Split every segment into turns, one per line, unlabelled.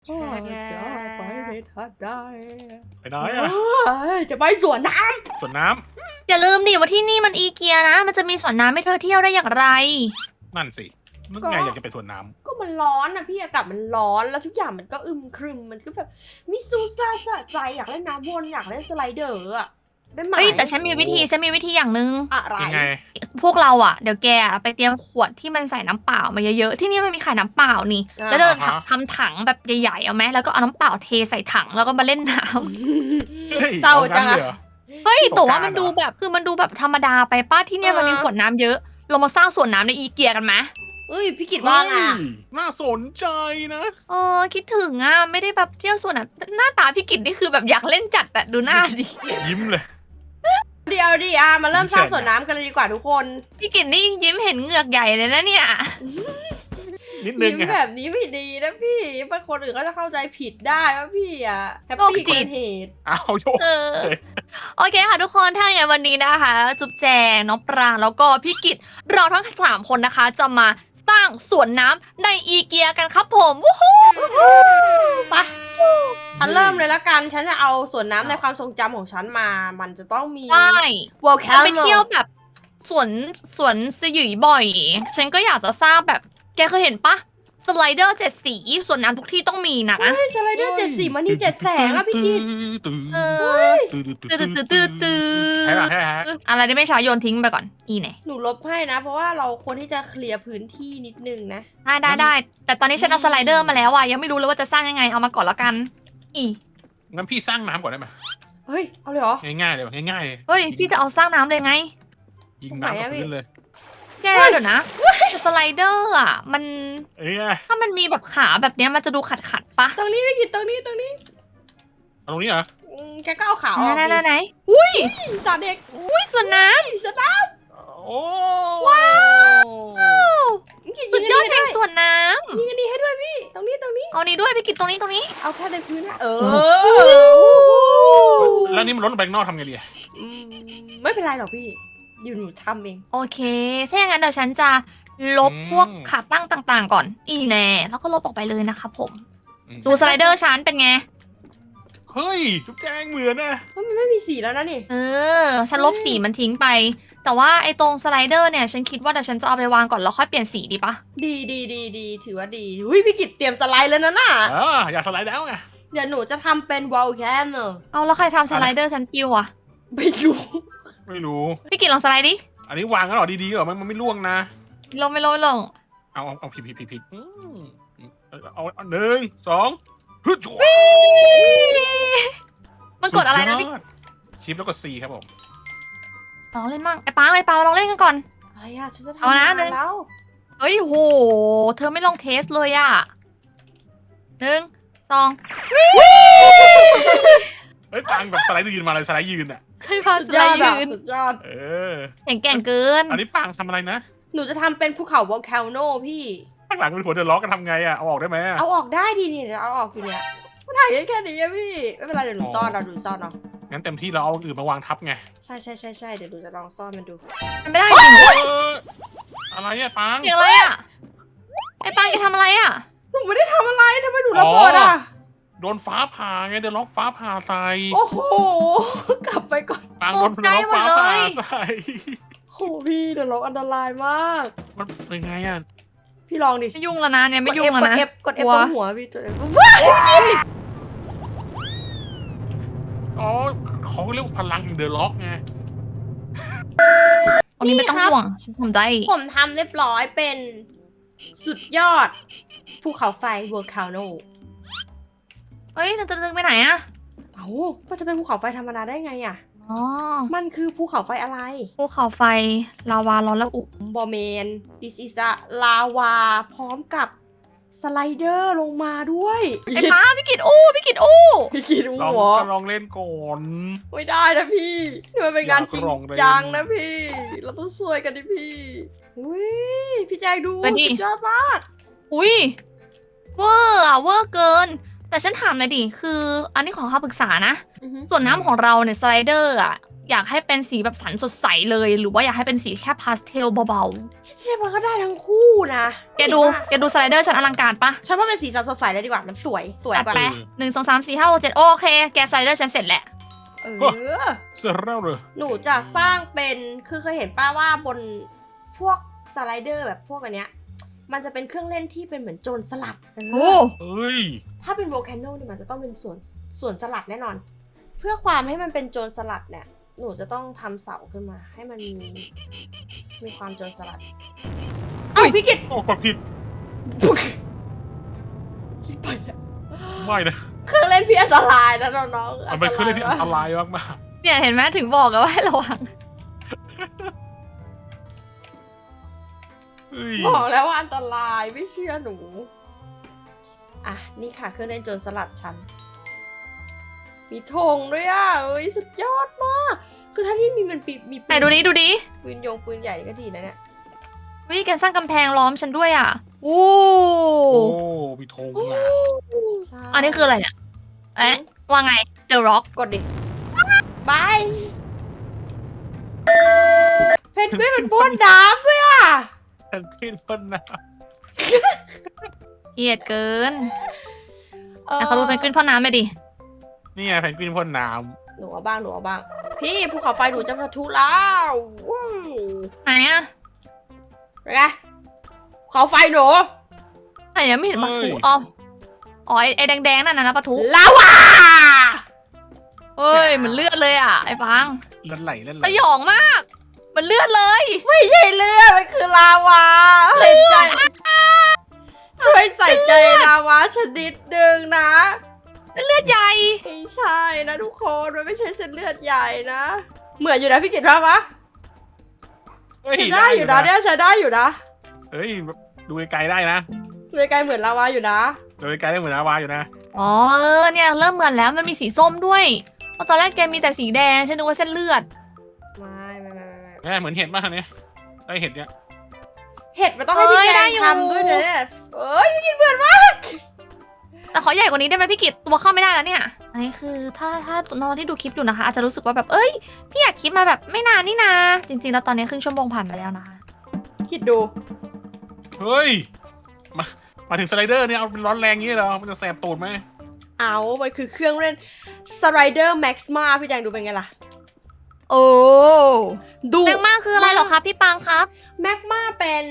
จะไปในทัดได้
ไปไหนอะ
จะไปสวนน้
สวนน้
อย่าลืมดิว่าที่นี่มันอีเกียนะ มันจะมีสวนน้ำให้เธอเที่ยวได้อย่างไร
ำนั่นสินึกไงอยากจะไปสวนน้
ำก็มันร้อนนะพี่อากาศมันร้อนแล้วทุกอย่างมันก็อึมครึมมันก็แบบมิซูซ่าสะใจอยากเล่นน้ำวนอยากเล่นสไลเดอร์อะได้ไหม
เฮ้ยแต่ฉันมีวิธีอย่างหนึ่ง
อะไร
ำยังไง
พวกเราอ่ะเดี๋ยวแกไปเตรียมขวดที่มันใส่น้ำเปล่ามาเยอะๆที่นี่มันมีขายน้ำเปล่านี่แล้วเดินทำถังแบบใหญ่ๆเอาไหมแล้วก็เอาน้ำเปล่าเทใส่ถังแล้วก็มาเล่นน้ำ
ฮ้ย
เศร้าจัง
อ
อะ
ลยหรอ
เฮ้ย
สงกรานต์
แต่ว่ามันดูแบบคือมันดูแบบธรรมดาไปป้าที่เนี่ยมันมีขวดน้ำเยอะ เรามาสร้างสวนน้ำในอีเกียกันไหม
เอ้ยพี่กิตว่าไงอะ
เฮ้ยน่าสนใจนะ
คิดถึงอ่ะไม่ได้แบบเที่ยวสวนน้ำหน้าตาพี่กิตนี่คือแบบอยากเล่นจัดอะดูหน้าดิ
ยิ้มเลย
เดี๋ยวดิมาเริ่มสร้างสวนน้ำกันเลยดีกว่าทุกคน
พี่กิตนี่ยิ้มเห็นเหงือกใหญ่เลยนะเนี่ย
นิดนึง
ยิ้ม
ไง
แบบนี้ไม่ดีนะพี่บางคนอื่นก็จะเข้าใจผิดได้ว่าพี่อะแฮปปี้
โรคจิ
เกิ
ต
นเหตุ
เอาโยก
เออโอเคค่ะทุกคนถ้าอย่างนั้นวันนี้นะคะ จุ๊บแจงน้องปรางแล้วก็พี่กิตเราทั้ง3คนนะคะ จะมาสร้างสวนน้ำในอีเกียกันครับผมวู้ฮู้
ไปฉันเริ่มเลยละกัน ฉันจะเอาสวนน้ำในความทรงจำของฉันมา มันจะต้องมี
ใช่
World
เราไป
Camp
เที่ยวแบบสวนสยุยบ่อย ฉันก็อยากจะสร้างแบบแกเคยเห็นปะสไลเดอร์7 สีสวนน้ำทุกที่ต้องมีนะ
สไลเดอร์7 สีมันนี่7 แสงอะพี่กิต
เออ ตื้อ
ใช่ป่ะใช่ฮะ
อะไรที่ไม่ใช้โยนทิ้งไปก่อนอีไหน
หนูลบให้นะ เพราะว่าเราควรที่จะเคลียร์พื้นที่นิดนึงนะ
ได้แต่ตอนนี้ฉันเอาสไลเดอร์มาแล้วอ่ะยังไม่รู้เลยว่าจะสร้างยังไงเอามาก่อนแล้วกันอี
งั้นพี่สร้างน้ำก่อนได้ไหม
เฮ้ย เอาเลยเหรอ
ง่ายๆเลยแบบง่ายๆเลย
เฮ้ยพี่จะเอาสร้างน้ำเลยไง
ยิงน้ำกับพื้นเลย
แกเดี๋ยวนะแต่สไลเดอร์อ่ะมัน
เอ้ย
ถ้ามันมีแบบขาแบบเนี้ยมันจะดูขัดปะ
ตรงนี้พี่กิตตรงนี้
เอาตรงนี้เหรอ
แกก็เอาขาออก
ไหนอุ้ย
สาเด็ก
อุ้ยสวนน้
สตาร์
โอ้
ว้าว
กิต
ำสุ
ยิ
ด
ง
ย
อั
อน ด
นี้
แห่
ให้
ง
ด้วย
สวนน้
ยิงอันนี้ให้ด้วยพี่ ตรงนี้
ำเอานี้ด้วยไปกินตรงนี้
เอาแค่ในพื้นนะเออ
แล้วนี่มันล้นลงไปข้างนอกทำไงดีอะ
อืมไม่เป็นไรหรอกพี่ อยู่หนูทำเอง
โอเคถ้าอย่างนั้นเดี๋ยวฉันจะลบพวกขาตั้งต่างๆก่อนอีแน่แล้วก็ลบออกไปเลยนะคะผมดูสไลเดอร์ฉันเป็นไง
เฮ้ยจุ๊บแจงเหมือนนะ
มันไม่มีสีแล้วนะนี่
ฉันลบสีมันทิ้งไป แต่ว่าไอ้ตรงสไลเดอร์เนี่ยฉันคิดว่าเดี๋ยวฉันจะเอาไปวางก่อนแล้วค่อยเปลี่ยนสีดีปะ
ดีถือว่าดีอุ้ยพี่กิตเตรียมสไลด์แล้วนะน่ะ
อยากสไลด์แล้วไง
เดี๋ยวหนูจะทำเป็นวอลแคมเนอะ
เอาแล้วใครทำสไลเดอร์ฉันปิวอะ
ไม่รู้
ไม่รู้
พี่กินลองสไลด์ดิ
อันนี้วางกันหรอดีๆเหรอมันไม่ล่วงนะ
ไม่ลง
เอาผิดเอาหนึ่งสองฮึดจั่ว
มันกดอะไรนะพี่
สุยดชิปแล้วก็ C ครับผม
ลองเล่นมั่งไอ้ปังลองเล่นกันก่อน
อะไรอะฉันจะทำ
เอานะ
งแล้ว
เฮ้ยโหเธอไม่ลองเทสเลยอะ1 2
เฮ้ยปังแบบสไลด์ยืนมาเลยสไลด์ยืนอ่ะ
ให้พา
สุ
ส
ด
ไล
ยอด
ด์
อะ
ยืน
สุดยอด
เออ
แข็งเกิน
อันนี้ปังทำอะไรนะ
หนูจะทำเป็นภูเขาวอลแคโนพี่
ข้างหลังเป็นหัวเดือดร้อนกันทำไงอ่ะเอาออกได้ไหมอะ
เอาออกได้ดีนี่เดี๋ยวเอาออกอยู่เนี่ยมันถ่ายแค่นี้อะพี่ ไม่เป็นไรเดี๋ยวหนูซ่อนเอาดูซ่อนเอา
งั้นเต็มที่เราเอาอื่นมาวางทับไง
ใช่เดี๋ยวหนูจะลองซ่อนมันดู
มันไม่ได้จริง
เอออะไรอะปัง
เสียงอะไรอะไอ้ปังแกทำอะไรอะ
หนูไม่ได้ทำอะไรทำไมหนูระเบิดอะ
โดนฟ้าผ่าไงเดือดร้อนฟ้าผ่าใส่
โอ้โห กลับไปก่อน
ปังโดนเดือดร้อนฟ้าผ่าใส่
โอ้พี่เดี๋ยวเราอันตรายมาก
มันเป็นไงอ่ะ
พี่ลองดิ
ไม่ยุ่งแล้วนะเนี่ยไม่ยุ่งแล้วนะ
กด F
กลัว
ตรงหัวพี่ตัวเอง
อ๋อเขาเรียกว่าพลังเดือดร้อนไง
ตรงนี้ไม่ต้องห่วงฉันทำได้
ผมทำเรียบร้อยเป็นสุดยอดภูเขาไฟวอลคาโน
เฮ้ยจะไปไหนอะ
เอ้าก็จะเป็นภูเขาไฟธรรมดาได้ไงอะ
อ๋อ
มันคือภูเขาไฟอะไร
ภูเขาไฟลาวาร้อนและอุ
บอเมน this is a ลาวาพร้อมกับสไลเดอร์ลงมาด้วย
ไอ้ป้าพี่กิดอู้พี่กิดอู้
พี่คิด
ลอง
หัว
ก็ลองเล่นก่อน
ไม่ได้นะพี่นี่มันเป็นงานจริง
อยากลองเล่น
จังนะพี่ เราต้องช่วยกันดิพี่อุ้ยพี่แจงดูสุดยอดมาก
อุ้ยเวอร์อะเวอร์เกิน แต่ฉันถามหน่อยดิคือ อันนี้ขอคำปรึกษานะ
อือหือ
ส่วนน้ำของเราเนี่ยสไลเดอร์อะอยากให้เป็นสีแบบสันสดใสเลย หรือว่าอยากให้เป็นสีแค่พาสเทลเบา
เจ๊มันก็ได้ทั้งคู่นะ
ๆแกดูสไลเดอร์ฉันอลังการปะ
ฉันว่าเป็นสีสันสดใสเลยดีกว่ามันสวยก
จัด
ว่า
ไป1 2 3 4 5 6 7โอเคแกสไลเดอร์ฉันเสร็จแหละ
เอ
โอ้
อ
เสร็จแล้วเลย
หนูจะสร้างเป็นคือเคยเห็นป้าว่าบนพวกสไลเดอร์แบบพวกอันเนี้ยมันจะเป็นเครื่องเล่นที่เป็นเหมือนโจรสลัด
โอ้
เอ้ย
ถ้าเป็นโวลแคนโนเนี่ยมันจะต้องเป็นส่วนสลัดแน่นอน เพื่อความให้มันเป็นโจรสลัดเนี่ยหนูจะต้องทำเสาขึ้นมา ให้มันมีความโจรสลัดเอ้าพี่กิต
โอ้กดผิด
คิดไปแล้ว
ไม่นะ
เครื่องเล่นพี่อันตรายนะน้องๆ
มันเป็นเครื่องเล่นที่อันตรายมาก
เนี่ยเห็นไหมถึงบอกกันว่าให้ระวัง
ๆเอ้ย
บอกแล้วว่าอันตรายไม่เชื่อหนูอ่ะนี่ค่ะเครื่องเล่นโจรสลัดฉันมีธงด้วยอ่ะเอ้ยสุดยอดมากคือถ้าที่มีปื
ไหนดูดิ
ปืนใหญ่ก็ดีนะเนี่ย
วิแกสร้างกำแพงล้อมฉันด้วยอ่ะโอ้
โอ้มีธงอ่ะ
ใช่
อันนี้คืออะไรเนี่ยเอ๊ะว่าไง The Rock
กดดิบายเพนกวินมันพ่นน้ำด้วยอ่ะ
แทนพี่พ่นนะ
เกลียดเกินแต่เขารู้เป็นขึ้นพ่อน้ำไปดิ
นี่ไงแพนกวินพ่นน้
หนูเอาบ้างพี่ภูเขาไฟหนูจะปะทุแล้วว้าว
ไหนอ่ะ
เป็นไงภูเขาไฟหนู
ไหนยังไม่เห็นปะทุอ๋อไอ้แดงๆนั่นนะปะทุ
ลาวา
เฮ้ยเหมือนเลือดเลยอ่ะไอ้ปัง
ำเล่นไหล
สยองมากเหมือนเลือดเลย
ไม่ใช่เลือดมันคือลาวาใส่ใจช่วยใส่ใจลาวาชนิดหนึ่งนะ
เลือดใหญ่
ไม่ใช่นะทุกคนมันไม่ใช่เส้นเลือดใหญ่นะ เหมือนอยู่นะพี่กิตว่าปะ
เฮ้ย
ใช้ได้อยู่นะเนี่ยใช้ได้อยู่นะ
เฮ้ยดูไกลๆได้นะ
เลยไกลเหมือนลาวาอยู่นะ
ดูไกลๆได้เหมือนอาวาอยู่นะ
อ๋อเนี่ยเริ่มเหมือนแล้วมันมีสีส้มด้วยเพราะตอนแรกแกมีแต่สีแดงฉันนึกว่าเส้นเลือด
ไม่
เนี่ยเหมือนเห็ดมากเนี่ยไอเห็ดเนี่ย
เห็ดมันต้องให้พี่แจงทำด้วยนะเนี่ยเอ้ยพี่กิตเหมือนมาก
แต่ขอใหญ่กว่านี้ได้ไหมพี่กิตตัวเข้าไม่ได้แล้วเนี่ยอันนี้คือถ้าน้องที่ดูคลิปอยู่นะคะ อาจจะรู้สึกว่าแบบเอ้ยพี่อยากคลิปมาแบบไม่นานนี่นาจริงๆแล้วตอนนี้ครึ่งชั่วโมงผ่านไปแล้วนะคะ
คิดดู
เฮ้ยมาถึงสไลเดอร์เนี่ยเอาเป็นร้อนแรงงี้เหรอมันจะแสบตูดไหม
เอามันคือเครื่องเล่นสไลเดอร์แม็กซ์มาพี่แจงดูเป็นไงล่ะ
โอ้
ดู
แมกมาคืออะไรเหรอคะพี่ปังครับ
แม็กมาเป็น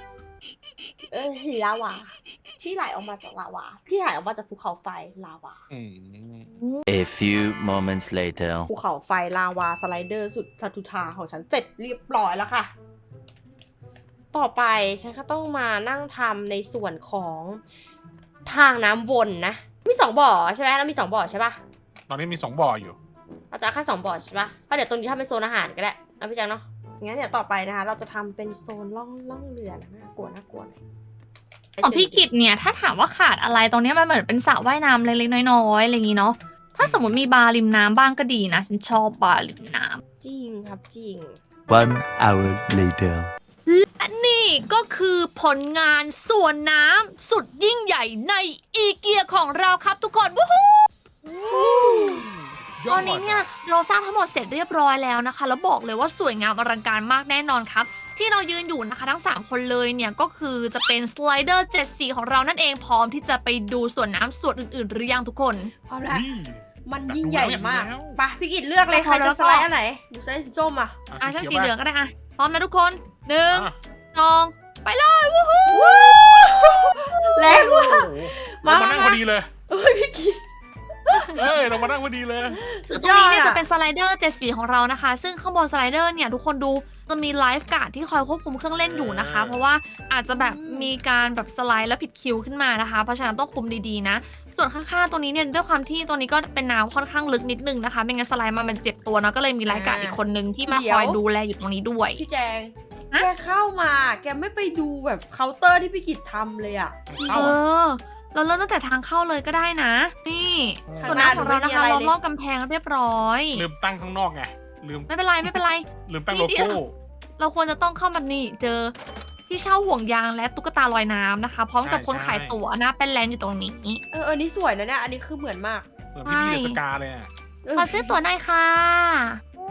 ลาวาที่ไหลออกมาจากลาวาที่ไหลออกมาจากภูเขาไฟลาวา
อืม
A few moments later.
ภูเขาไฟลาวาสไลเดอร์สุดทัตุธาของฉันเสร็จเรียบร้อยแล้วค่ะ ต่อไปฉันก็ต้องมานั่งทำในส่วนของทางน้ำวนนะมี2บ่อใช่ไหมแล้วมี2บ่อใช่ปะ
ตอนนี้มี2บ่ออยู่
เราจะแค่2บ่อใช่ปะเพราะเดี๋ยวตรงนี้ทำเป็นโซนอาหารก็ได้นะพี่แจังเนาะงั้นเดี๋ยวต่อไปนะคะเราจะทำเป็นโซนล่องเรือนะน่ากลัวหน่อย
ของพี่กิตเนี่ยถ้าถามว่าขาดอะไรตรงเนี้ยมันเหมือนเป็นสระว่ายน้ำเล็กๆน้อยๆอะไรอย่างงี้เนาะถ้าสมมติมีบาร์ริมน้ำบ้างก็ดีนะฉันชอบบาร์ริมน้ำ
จริงครับจริง
1 hour later.
และนี่ก็คือผลงานสวนน้ำสุดยิ่งใหญ่ในอีเกียของเราครับทุกคนวู้ฮู้ตอนนี้เนี่ยเราสร้างทั้งหมดเสร็จเรียบร้อยแล้วนะคะแล้วบอกเลยว่าสวยงามอลังการมากแน่นอนครับที่เรายืนอยู่นะคะทั้ง3คนเลยเนี่ยก็คือจะเป็นสไลเดอร์7สีของเรานั่นเองพร้อมที่จะไปดูสวนน้ำส่วนอื่นๆหรือยังทุกคน
พร้อมแล้ว
นี่
มันยิ่งใหญ่มาก
แล้ว
ไปะพี่กิตเลือกเลยใครจะสไลด์อันไหนหนูสไลด์สีส้มอ่ะ
อ่ะฉัน
ขียว
สีเหลือง
ป่ะ
ก็ได้อ่ะพร้อมนะทุกคน1
อ่ะ
2ไปเลยวู้ฮู้
แรงว่ะ
โอ้โหเรามานั่งพอดีเลย
เอ้ยพี่กิต
เฮ้ยเรามานั่งพอดีเลย
สุด
ตร
ย
ง
อ
นี้
ด
เนี่ย
อะ
จะเป็นสไลเดอร์7สีของเรานะคะ ซึ่งข้างบนสไลเดอร์เนี่ยทุกคนดูจะมีไลฟ์การ์ดที่คอยควบคุมเครื่องเล่นอยู่นะคะ เพราะว่าอาจจะแบบมีการแบบสไลด์แล้วผิดคิวขึ้นมานะคะ เพราะฉะนั้นต้องคุมดีๆนะ ส่วนข้างๆตรงนี้เนี่ยด้วยความที่ตรงนี้ก็เป็นน้ำค่อนข้างลึกนิดนึงนะคะไม่งั้นสไลด์มามันเจ็บตัวเนาะก็เลยมีไลฟ์การ์ดอีกคนนึงที่มาคอยดูแลอยู่ตรงนี้ด้วย
พี่แจง
ฮะ
แกเข้ามาแกไม่ไปดูแบบเคาน์เตอร์ที่พี่กิตทำเลยอ่ะ
เข้า
เอ
อ่ะ
อเราเริ่มตั้งแต่ทางเข้าเลยก็ได้นะ นี่
ข้าง
ส่วน
หน้า
น้ำของเรานะคะ
หนูไม่มีอะไรเลย
เราลอบกำแพงเรียบร้อย
ลืมตั้งข้างนอกไงลืม
ไม่เป็นไรไม่เป็นไร
ลืมตั้งโลโก้
เราควรจะต้องเข้ามานี่เจอที่เช่าห่วงยางและตุ๊กตาลอยน้ำนะคะ พร้อมกับคนขายตั๋วหน้าเป็นแลนด์อยู่ตรงนี้
นี่สวยนะเนี่ยอันนี้คือเหมือนมาก
เหมือนพี่เดสกาเลยอ่ะ
ขอซื้อตั๋วหน่อยค่ะ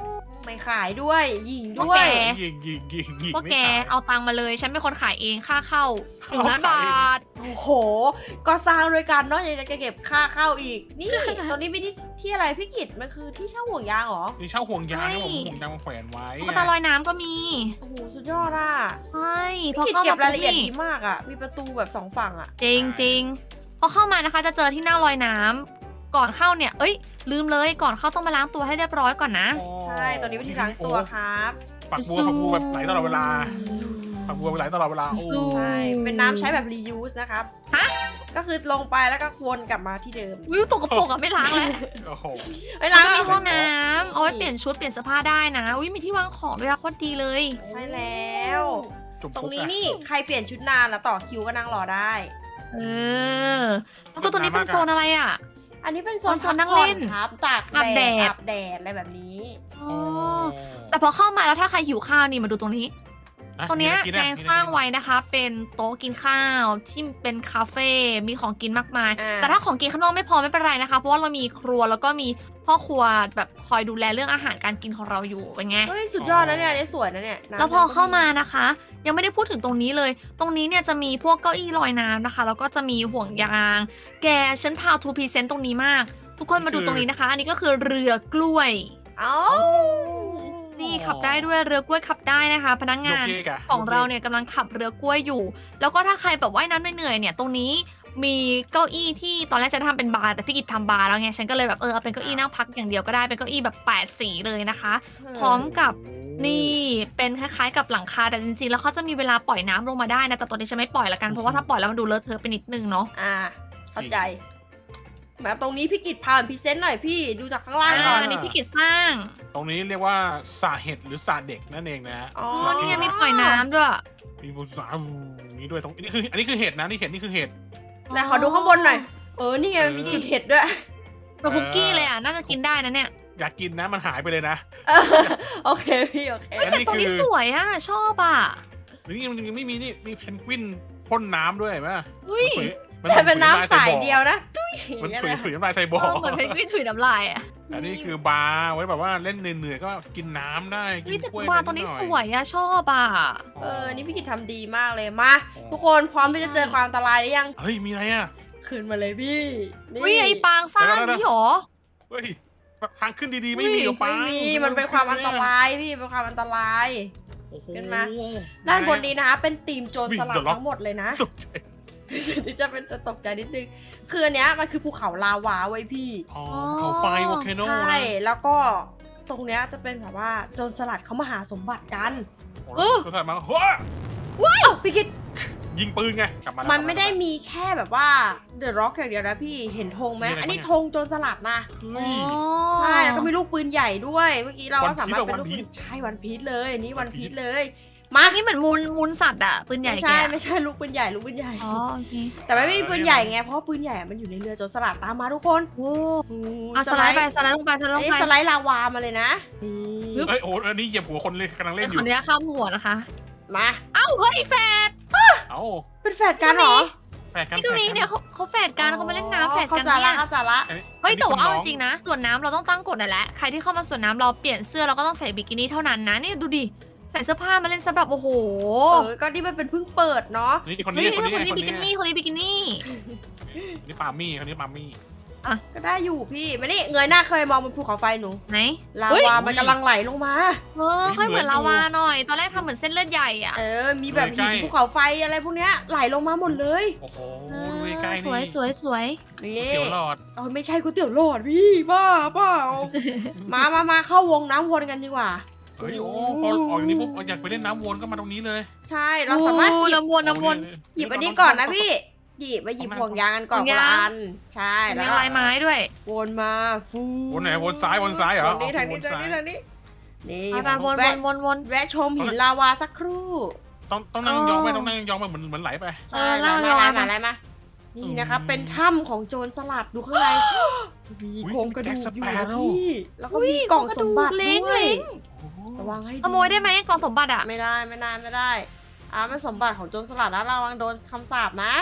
ไม่ขายด้วยยิง
พวก
ด้วย
แก
ยิง
พวก
ไม่
แก
ขาย
เอาตังค์มาเลย ฉันเป็นคนขายเองค่าเข้า1,000,000 บาท
โอ้โห ก็สร้างด้วยกันเนาะยังจะเก็บค่าเข้าอีก นี่ ตรงนี้มีที่อะไรพี่กิตมันคือที่เช่าห่วงยางเหรอ
นี่เช่าห่วงยาง
ใช่
นะผมห่วงยางมาแขวนไว้
ตุ๊กตาลอยน้ำก็มี
โอ้โห สุดยอดอ่ะ
ใช่พ
พี่
อ
กิต
เข้า
เก็
มา
บรายละเอียด
ปุ๊บ
ดีมากอ่ะ มีประตูแบบ2ฝั่งอ่ะ
จริงจริงพอเข้ามานะคะจะเจอที่หน้าลอยน้ำก่อนเข้าเนี่ย เอ้ย ลืมเลยก่อนเข้าต้องมาล้างตัวให้เรียบร้อยก่อนนะ
ใช่ ตอนนี้วิธีล้างตัวครับ
ฝักบัวแบบไหลตลอดเวลาฝักบัวไหลตลอดเวลาโอ้
ใช่ เป็นน้ำใช้แบบ reuse นะครับ
ฮะ
ก็คือลงไปแล้วก็วนกลับมาที่เดิม
วิวสกปรกอะไม่ล้างเลย
โอ้โห
ไม่
แล้
ล้าว ง
ก็มี
อะ
ห้องน้ำเอาไว้เปลี่ยนชุดเปลี่ยนเสื้อผ้าได้นะอุ้ยมีที่วางของด้วยอะโคตรดีเลย
ใช่แล้ว
จุ่ม
ตรง
ปุ๊บ
นี้
อะ
นี่ใครเปลี่ยนชุดนานแล้วต่อคิวก็นั่งรอได้
เออแล้วก็ตัวนี้เป็นโซนอะไรอะ
อันนี้เป็นโซ
อ๋
น
อโซนนั่งเล่น
พักผ่อครับตาก
อาบ
แด
แด
ด
ด
อาบแดดอะไรแบบนี้
อ๋อแต่พอเข้ามาแล้วถ้าใครหิวข้าวนี่มาดูตรงนี้
ะ
ตรงเนี้ย
มี
แจ
อะไร
ง
กิน
สร้างไว้นะคะ เป็นโต๊ะกินข้าวที่เป็นคาเฟ่มีของกินมากมาย
อ่า
แต่ถ้าของกินข้างนอกไม่พอไม่เป็นไรนะคะ เพราะว่าเรามีครัวแล้วก็มีพ่อครัวแบบคอยดูแลเรื่องอาหารการกินของเราอยู่เป็นไง
เฮ้ยสุดยอดนะเนี่ยอันนี้สวยนะเนี่ยน้ำ
แล้วพอเข้ามานะคะ ยังไม่ได้พูดถึงตรงนี้เลย ตรงนี้เนี่ยจะมีพวกเก้าอี้ลอยน้ำนะคะ แล้วก็จะมีห่วงยาง แกฉันพาวทูพรีเซนต์ตรงนี้มาก ทุกคนมาดูตรงนี้นะคะ อันนี้ก็คือเรือกล้วย
เอ้า
นี่ขับได้ด้วยเรือกล้วยขับได้นะคะ พนักงาน
โยกะ
ของเราเนี่ยกำลังขับเรือกล้วยอยู่ แล้วก็ถ้าใครแบบว่ายน้ำเหนื่อยๆเนี่ย ตรงนี้มีเก้าอี้ที่ตอนแรกจะทำเป็นบาร์แต่พี่กิจทำบาร์แล้วไง ฉันก็เลยแบบเอาเป็นเก้าอี้นั่งพักอย่างเดียวก็ได้ เป็นเก้าอี้แบบ8 สีเลยนะคะ พร้อมกับนี่เป็นคล้ายๆกับหลังคา แต่จริงๆ แล้วเขาจะมีเวลาปล่อยน้ำลงมาได้นะ แต่ตัวนี้ฉันไม่ปล่อยละกัน เพราะว่าถ้าปล่อยแล้วมันดูเลอะเทอะไปนิดนึงเนาะ
อ่าเข้าใจมาตรงนี้พี่กิตพาพรีเซนต์หน่อยพี่ดูจากข้างล่างก่อน
อันนี้พี่กิจสร้าง
ตรงนี้เรียกว่าสระเห็ดหรือสระเด็กนั่นเองนะฮะ
อ๋อ
อ๋อ นี่ไงมีปล่อยน้ำด้วย
มีบุษราอย่างนี้ด้วยตรงนี้คืออันนี้คือเห็ดนะนี่เห็ดนี่คือเห็ด
ไหนขอดูข้างบนหน่อยนี่ไงมันมีจุดเห็ดด้วย
เป็นคุกกี้เลยอ่ะ น่าจะกินได้นะเนี่ย
อยากกินนะมันหายไปเลยนะ
โอเคพี่โอเค
อัน
แต่
นี้
ตรงนี้
คือ
สวยอ่ะ ชอบอ่ะ
นี่มันยังไม่มีนี่มีเพนกวินพ่นน้ำด้วยเห็นไหม
อุ้ย
แต่เป็นน้ำใสเดียวนะตุ้ย
มัน
อย่าง
ถุย
เงี้ย
ถุยน้ำลายใส่บ่อ
เหมือนเพนกวินถุยน้ำลายอ่ะ
อันนี้คือบาร์ไว้แบบว่าเล่นเหนื่อยๆก็กินน้ำได้กิ
วิ
น
แต่
กล้วย
วาตัวนี้
ดห
สวยอ่ะ ชอบอ่ะ
นี่พี่กิตทำดีมากเลยมาทุกคนพร้อมที่จะเจอความอันตรายหรือยัง
เฮ้ยมีอะไรอ่ะ
ขึ้นมาเลยพี่นี่
วิไอปางสร้างนี่หรอ
เฮ้ยทางขึ้นดีๆไม่มีหรอปะ
ไม่มีมันเป็นความอันตรายพี่เป็นความอันตราย
โอ้โห
ขึ้นมา ด้านบนนี้นะคะเป็นทีมโจรสลัด
วิ่งเดี๋ยวล็อก
ทั้งหมดเลยนะ
ตกใจ
นี่จะเป็นตกใจนิดนึงคืออันเนี้ยมันคือภูเขาลาวาไว้ยพี่
อ๋อเขาไฟวอลเคโน
ใช่
นะ
แล้วก็ตรงเนี้ยจะเป็นแบบว่าโจรสลัดเขามาหาสมบัติกัน
ก็ถ่ายมาเฮ้ย
พี่คิด
ยิงปืนไงกลับมา
มั
มัน
ไม่ได้มีแค่แบบว่าเดอะร็อกอย่างเดียวนะพี่เห็นธงไหม
มีอะไร
อันนี้
บ้างอะ
ธงโจรสลัดนะ
เฮ้ย
ใช่แล้วก็มีลูกปืนใหญ่ด้วยเมื่อกี้เราก็สามารถเป็น
วัน
ลูก
พี
ปื
ช
นใช่วันพีชเลยอันนี้วันพีช
พีช
เลยมา
อันนี้เหมือนมูลสัตว์อ่ะ ปืนใหญ่
ไม่
แก
ใช่
อะ
ไม่ใช่ลูกปืนใหญ่ลูกปืนใหญ่
อ๋อโอเค
แต่ไม่มีปืนใหญ่ไงเพราะว่าปืนใหญ่มันอยู่ในเรือโจรสลัดตามมาทุกคน
โอ้
อู้
อ่ะสไลด์ไปสไลด์ลงไปสไลด์
อั
ล
น
ง
นี้
ไป
สไลด์ลาวามาเลยนะนี่
เอ้ยโอ้อันนี้เหยียบหัวคนเลยกำลังเล่นอ
ขอยู่ อนุญาตข้ามหัวนะคะ
มา
เอ้าเฮ้ยแฟด
เอ้า
เป็นแฝดกันเหรอ
แฝดกัน
นี่ก็มีเนี่ยเขาแฝดกันเขามาเล่นน้ำแฝด
เข้า
กัน
ใจ
เนี่
ละ
ย
เข้าใจละ
เฮ้ยแต่ว่าเอาจริงๆนะส่วนน้ำเราต้องตั้งกฎนั่นแหละใครที่เข้ามาส่วนน้ำเราเปลี่ยนเสื้อเราก็ต้องใส่บิกินี่เท่านั้นนะนี่ดูดิใส่เสื้อผ้ามาเล่นซะแบบโอ้โห
ก็นี่มันเป็นเพิ่งเปิดเนาะ
นี่คน
เฮ้
นี้
ย
คน
คน
นี้
นี้บิกินี่คนนี้บิกินี่
นี่ปามี่คนนี้ปามี่
ก็ได้อยู่พี่มานี่เงยหน้าเคยมองบนภูเขาไฟหนู
ไหน
ลา
เฮ้ย
วามันกำลังไหลลงมา
ค่อยเหมือนลาวาหน่อย ตอนแรกทำเหมือนเส้นเลือดใหญ่อ่ะ
มีแบบหินภูเขาไฟอะไรพวกเนี้ยไหลลงมาหมดเลย
โอ้โหดูใกล้ๆ
สวย
นี่
สวยสวย
นี่
เขียวหลอด
ไม่ใช่ก๋วยเตี๋ยวหลอดพี่บ้าเปล่า มาเข้าวงน้ำวนกันดีกว่า
เฮ้ยโอ้พอออกอย่างนี้ปุ๊บอยากไปเล่นน้ำวนก็มาตรงนี้เลย
ใช่เราสามารถหยิบ
น้ำวนน้ำวน
หยิบอันนี้ก่อนนะพี่หยิบมาหยิบห่วงยางกันก่อน
ห่วง
คน
ยาง
ละอันใช่
มี
แล้วก็
ลายไม้ด้วย
วนมาฟู
วนไหนวนซ้ายวนซ้ายเหรอ
ทางนี้ทางนี้
วน
ทาง
ซ้าย
นี้ทางนี้นี่
ไปวนวน
แวะชมหินลาวาสักครู่
ต้องนั่งยองไปต้องนั่งยองไปเหมือนไหลไป
ใช่
เล่า
มา
เล่า
อะไรมานี่นะครับเป็นถ้ำของโจรสลัดดูข้างในมีโครงกระดูกอยู่นะพี่แล้วก็มีกล่องสมบัติ
เล้ง
ด้วย
เล้ง
ระวังให้ดี
ขโมยได้ไหมกล่องสมบัติอ่ะ
ไม่ได้เป็นสมบัติของโจรสลัดนะระวังโดนคำสาปนะ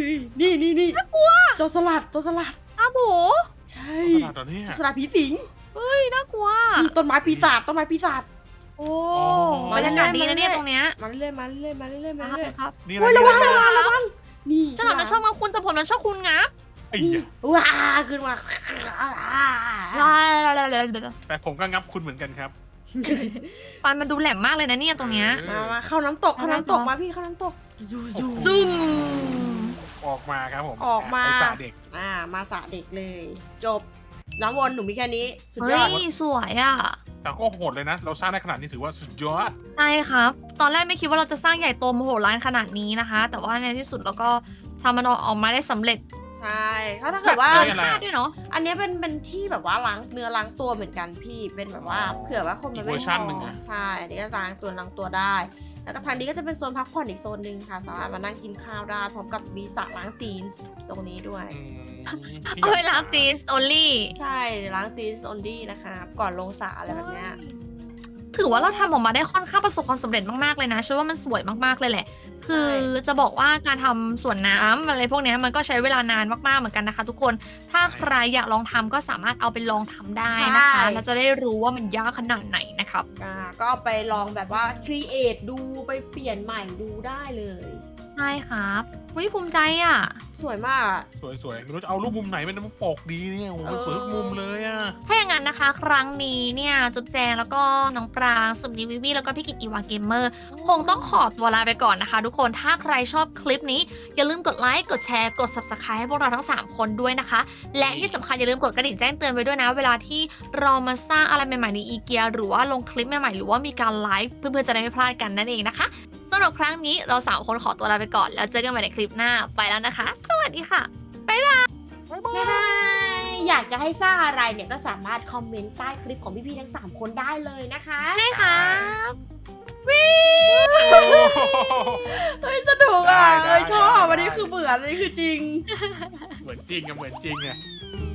นี่โจรสลัด
อ้าวโบ
ใช่
ตลาดตอนนี้
โจรสลัดผีสิง
น่ากลัว
ต้นไม้ปีศาจต้นไม้ปีศาจ
โอ้บรรยากาศดีนะเนี่ยตรงเนี้ย
มาเรื่อยมาเรื่อยมาเรื่อยมาเรื่อย
ครับ
นี่
โอ้ยระวัง
นี่
ระวังนี่
ฉลามนะชอบมาคุณแต่ผมนะชอบคุณงับ
ไอ้
นี่
เหี้ย
ว้าขึ้นมา
แต่ผมก็งับคุณเหมือนกันครับ
ฟันมันดูแหลมมากเลยนะเนี่ยตรงเนี้ย
มาเข้าน้ำตกเข้าน้ำตกมาพี่เข้าน้ำตกซูซู
จุ่ม
ออกมาครับผม
ออกมา
ไปสระเด็ก
มาสระเด็กเลย จบน้ำวนหนูมีแค่นี้สุดย
เฮ้
อด
ยสวยอ่ะ
แต่ก็โหดเลยนะ เราสร้างได้ขนาดนี้ถือว่าสุดยอด
ใช่ครับ ตอนแรกไม่คิดว่าเราจะสร้างใหญ่โตมโหฬารขนาดนี้นะคะ แต่ว่าในที่สุดเราก็ทำมันออกมาได้สำเร็จ
ใช่ถ้าเกิดว่า
เกินคาดด้วยเนาะ
อันเนี้ยเป็นที่แบบว่าล้างเนื้อล้างตัวเหมือนกันพี่เป็นแบบว่าเผื่อว่าคนมันไม่
อีกเวอร์ชัน
พ
หนึ่ง
อ
อะ
ใช่อันนี้ก็ล้างตัวได้ แล้วก็ทางนี้ก็จะเป็นโซนพักผ่อนอีกโซนหนึ่งค่ะสามารถมานั่งกินข้าวได้พร้อมกับมีสระล้างตีนตรงนี้ด้วย
อืม
เอาเวลาตีสโอลี่
ใช่ล้างตีนออนดี้นะคะก่อนลงสระอะไรแบบเนี้ย
ถือว่าเราทำออกมาได้ค่อนข้างประสบความสำเร็จมากๆเลยนะเชื่อว่ามันสวยมากๆเลยแหละ คือจะบอกว่าการทำสวนน้ำอะไรพวกเนี้ยมันก็ใช้เวลานานมากๆเหมือนกันนะคะ ทุกคน ถ้าใครอยากลองทำก็สามารถเอาไปลองทำได้นะคะแล้วจะได้รู้ว่ามันยากขนาดไหนนะครับ
ก็เอาไปลองแบบว่าครีเอทดูไปเปลี่ยนใหม่ดูได้เลย
ใช่ครับวิภูมิใจอ่ะ
สวยมากอะ
สวยๆไม่รู้จะเอารูปมุมไหนเป็นมุมปกดีเนี่ยโอ้โหสวยทุกมุมเลยอ่ะ
ถ้าอย่างนั้นนะคะ ครั้งนี้เนี่ยจุ๊บแจงแล้วก็น้องปรางสุมนีวิวีแล้วก็พี่กิตอีวาเกมเมอร์ คงต้องขอตัวลาไปก่อนนะคะ ทุกคนถ้าใครชอบคลิปนี้ อย่าลืมกดไลค์กดแชร์กด subscribe ให้พวกเราทั้ง 3 คนด้วยนะคะ และที่สำคัญอย่าลืมกดกระดิ่งแจ้งเตือนไว้ด้วยนะ เวลาที่เรามาสร้างอะไรใหม่ๆในอีเกียหรือว่าลงคลิปใหม่ๆหรือว่ามีการไลฟ์เพื่อนๆจะได้ไม่พลาดกันนั่นเองนะคะสำหรับครั้งนี้เรา3คนขอตัวลาไปก่อนแล้วเจอกันใหม่ในคลิปหน้าไปแล้วนะคะ สวัสดีค่ะ
บ๊ายบายอยากจะให้สร้างอะไรเนี่ยก็สามารถคอมเมนต์ใต้คลิปของพี่ๆทั้ง 3 คนได้เลยนะคะ
ใช่ครับ
เฮ้ยสนุกอ่ะ
ได้
เฮ้ยชอบ
ได้
อันนี้คือเหมือนอันนี้คือจริง
เหมือนจริงอะเหมือนจริงอะ